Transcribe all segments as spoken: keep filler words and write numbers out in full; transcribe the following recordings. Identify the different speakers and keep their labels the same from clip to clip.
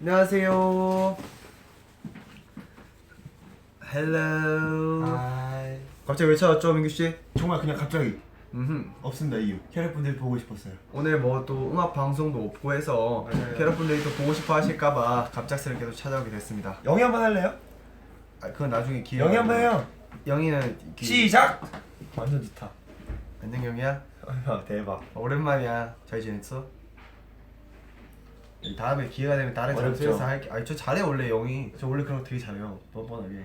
Speaker 1: 안녕하세요. 헬로.
Speaker 2: 하이.
Speaker 1: 갑자기 왜 찾았죠, 민규 씨?
Speaker 2: 정말 그냥 갑자기
Speaker 1: 음.
Speaker 2: 없습니다. 이유. 캐럿분들 보고 싶었어요.
Speaker 1: 오늘 뭐 또 음악 방송도 없고 해서
Speaker 2: 맞아요.
Speaker 1: 캐럿분들이 또 보고 싶어 하실까봐 갑작스럽게 또 찾아오게 됐습니다.
Speaker 2: 영희 한번 할래요?
Speaker 1: 아 그건 나중에 기회.
Speaker 2: 영희 한번 해요.
Speaker 1: 영희는 기...
Speaker 2: 시작. 완전 좋다.
Speaker 1: 안녕 영희야.
Speaker 2: 아, 대박.
Speaker 1: 오랜만이야. 잘 지냈어? 다음에 기회가 되면 다른
Speaker 2: 어렵죠?
Speaker 1: 장소에서 할게. 아니 저 잘해 원래 영희. 저 원래 그런 거 되게 잘해요. 뻔뻔하게.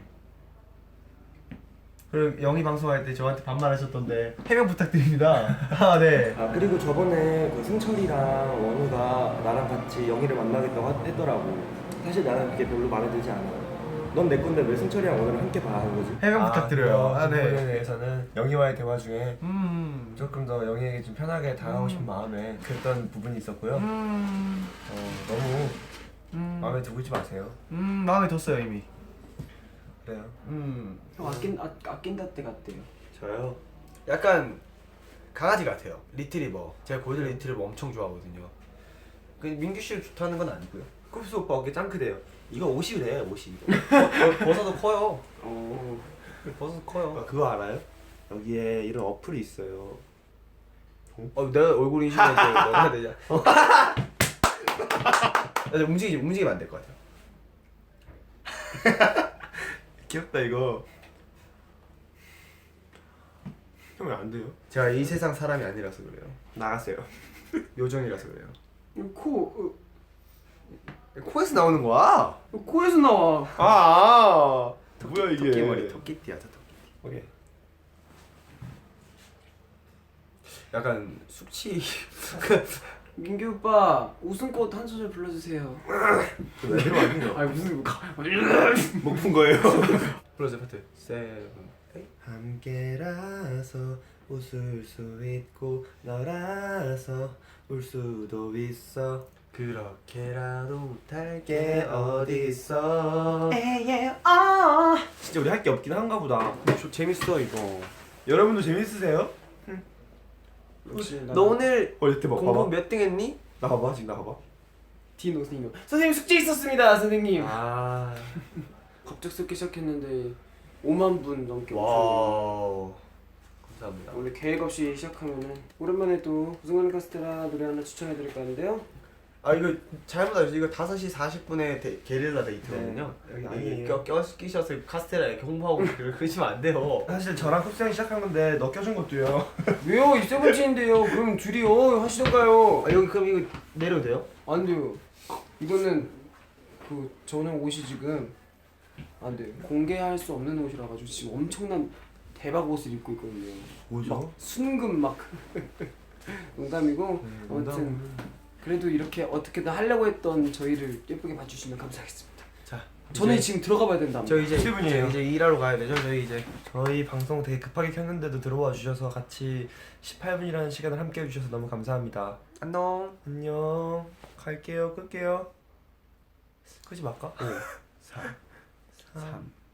Speaker 1: 그리고 영희 방송할 때 저한테 반말하셨던데 해명 부탁드립니다. 아 네.
Speaker 3: 아 그리고 저번에 그 승철이랑 원우가 나랑 같이 영희를 만나겠다고 하- 했더라고. 사실 나는 그게 별로 마음에 들지 않아. 넌 내 건데 왜 승철이랑 원우를 함께 봐 하는 거지?
Speaker 1: 해명 부탁드려요. 아
Speaker 2: 그 부분에
Speaker 1: 네.
Speaker 2: 대해서는 영희와의 대화 중에
Speaker 1: 음.
Speaker 2: 조금 더 영희에게 좀 편하게 다가가고 싶은
Speaker 1: 음.
Speaker 2: 마음에 그랬던 부분이 있었고요.
Speaker 1: 음.
Speaker 2: 어, 너무
Speaker 1: 음.
Speaker 2: 마음에 두고 있지 마세요.
Speaker 1: 음 마음에 뒀어요 이미.
Speaker 2: 그래요.
Speaker 1: 음.
Speaker 4: 형 아낀 아, 아낀다 때 같대요.
Speaker 3: 저요?
Speaker 1: 약간 강아지 같아요. 리트리버. 제가 골든 리트리버 엄청 좋아하거든요. 그 민규 씨를 좋다는 건 아니고요.
Speaker 2: 쿱스 오빠 어깨 짱크대요.
Speaker 3: 이거 옷이래 옷이.
Speaker 1: 버- 버섯도 커요.
Speaker 4: 어.
Speaker 1: 버섯 커요.
Speaker 3: 아, 그거 알아요? 여기에 이런 어플이 있어요.
Speaker 1: 어 내가 얼굴 인식해서 내가 해야 되냐? 나 지금 움직이 움직이면 안 될 것 같아요.
Speaker 2: 귀엽다 이거. 형 왜 안 돼요?
Speaker 1: 제가 이 세상 사람이 아니라서 그래요.
Speaker 2: 나갔어요.
Speaker 1: 요정이라서 그래요.
Speaker 4: 코
Speaker 1: 코에서 나오는 거야?
Speaker 4: 어, 코에서 나와.
Speaker 2: 아, 아 뭐야 이게?
Speaker 1: 토끼 머리, 토끼띠야, 저 토끼.
Speaker 2: 오케이.
Speaker 1: 약간 숙취.
Speaker 4: 민규 오빠 웃음꽃 한 소절 불러주세요.
Speaker 2: 왜 들어왔니?
Speaker 4: 아니 무슨
Speaker 2: 목 푼 거예요.
Speaker 1: 불러줘 파트. 세븐. 에잇.
Speaker 3: 함께라서 웃을 수 있고 너라서 울 수도 있어.
Speaker 1: 그렇게라도 못할
Speaker 3: 게 어딨어.
Speaker 4: 에예 아.
Speaker 2: 진짜 우리 할 게 없긴 한가 보다.
Speaker 1: 저 재밌어 이거.
Speaker 2: 여러분도 재밌으세요?
Speaker 4: 역시
Speaker 1: 너 오늘
Speaker 2: 어 이렇게 봐.
Speaker 1: 공부
Speaker 2: 봐봐.
Speaker 1: 몇 등 했니?
Speaker 2: 나 봐봐 지금 나 봐봐.
Speaker 4: 디노 선생님. 선생님 숙제 있었습니다 선생님.
Speaker 1: 아.
Speaker 4: 갑작스럽게 시작했는데 오만 분 넘게 오셨네요.
Speaker 1: 와우. 감사합니다.
Speaker 4: 원래 계획 없이 시작하면은 오랜만에 또 우승하는 카스테라 노래 하나 추천해드릴까 하는데요.
Speaker 1: 아 이거 잘못 알았어요. 이거 다섯 시 사십 분에 데, 게릴라 데이트거든요.
Speaker 2: 네, 여기
Speaker 1: 아니
Speaker 2: 아니에요.
Speaker 1: 껴, 껴 끼셔서 카스테라 이렇게 홍보하고 그러시면 안 돼요.
Speaker 2: 사실 저랑 쿱스 형이 시작한 건데 너 껴준 것도요.
Speaker 4: 왜요? 이 세븐틴인데요. 그럼 둘이요 하시던가요?
Speaker 1: 아 여기 그럼 이거 내려도 돼요?
Speaker 4: 안 돼요. 이거는 그 저는 옷이 지금 안 돼요. 공개할 수 없는 옷이라 가지고 지금 엄청난 대박 옷을 입고 있거든요.
Speaker 2: 뭐죠?
Speaker 4: 순금 막 농담이고
Speaker 2: 네,
Speaker 4: 아무튼 그래도 이렇게 어떻게든 하려고 했던 저희를 예쁘게 봐주시면 감사하겠습니다.
Speaker 1: 자
Speaker 4: 저는
Speaker 1: 이제
Speaker 4: 지금 들어가 봐야 된다.
Speaker 1: 저 이제
Speaker 2: 칠 분이에요.
Speaker 1: 이제 일하러 가야 되죠. 저희 이제
Speaker 2: 저희 방송 되게 급하게 켰는데도 들어와 주셔서 같이 십팔 분이라는 시간을 함께 해주셔서 너무 감사합니다.
Speaker 1: 안녕.
Speaker 2: 안녕. 갈게요. 끌게요. 끄지 말까? 오, 사, 삼,
Speaker 1: 삼.